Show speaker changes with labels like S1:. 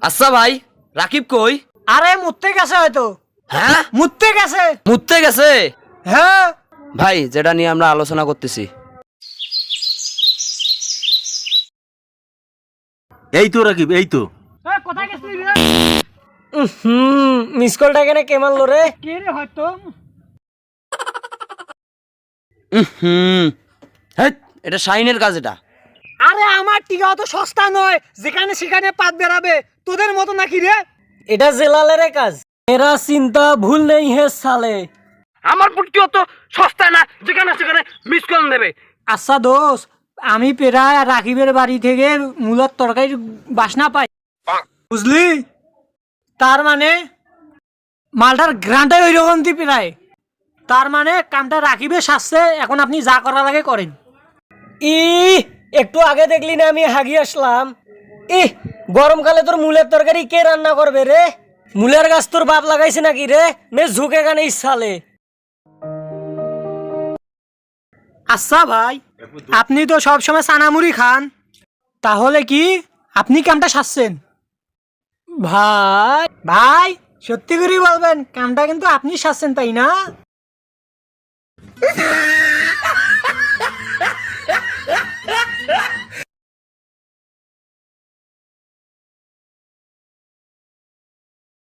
S1: আচ্ছা ভাই, রাকিব কই?
S2: আরে মুততে গেছে হয়তো।
S1: হ্যাঁ,
S2: মুততে গেছে।
S1: মুততে গেছে।
S2: হ্যাঁ
S1: ভাই, যেটা নিয়ে আমরা আলোচনা করতেছি,
S3: এই তো রাকিব, এই তো।
S2: কোথায় গেছিলি রে? মিস কলটা এখানে কে মারলো রে? কে রে হয়তো?
S1: হ্যাঁ, এটা শাহিনের কাজ। এটা
S2: আরে আমার টিকা অত সস্তা নয়, যেখানে সেখানে পাত বেরাবে তোদের মতো নাকি রে? এটা জেলালের কাজ। এরা চিন্তা ভুল নেই হে সালে।
S1: আমার পুটকি অত সস্তা না, যেখানে সেখানে মিস কল দেবে।
S2: আচ্ছা দোষ, আমি প্রায় রাকিবের বাড়ি থেকে মূলার তরকারির বাসনা পাই, বুঝলি? তার মানে মালটার গ্রানটাই ওই রকম প্রায়। তার মানে কামটা রাকিবে সাজছে, এখন আপনি যা করা লাগে করেন। একটু আগে দেখলি না আমি হাগি আসলাম। গরমকালে তোর মূলের তরকারি কে রান্না করবে রে? মূলের গাছ তোর বাপ লাগাইছে নাকি রে? নে ঝুঁকে গানে ইচ্ছালে। আচ্ছা ভাই, আপনি তো সবসময় চানামুড়ি খান, তাহলে কি আপনি কামটা সাজছেন? ভাই ভাই সত্যি করে বলবেন, কামটা কিন্তু আপনি সাজছেন, তাই না?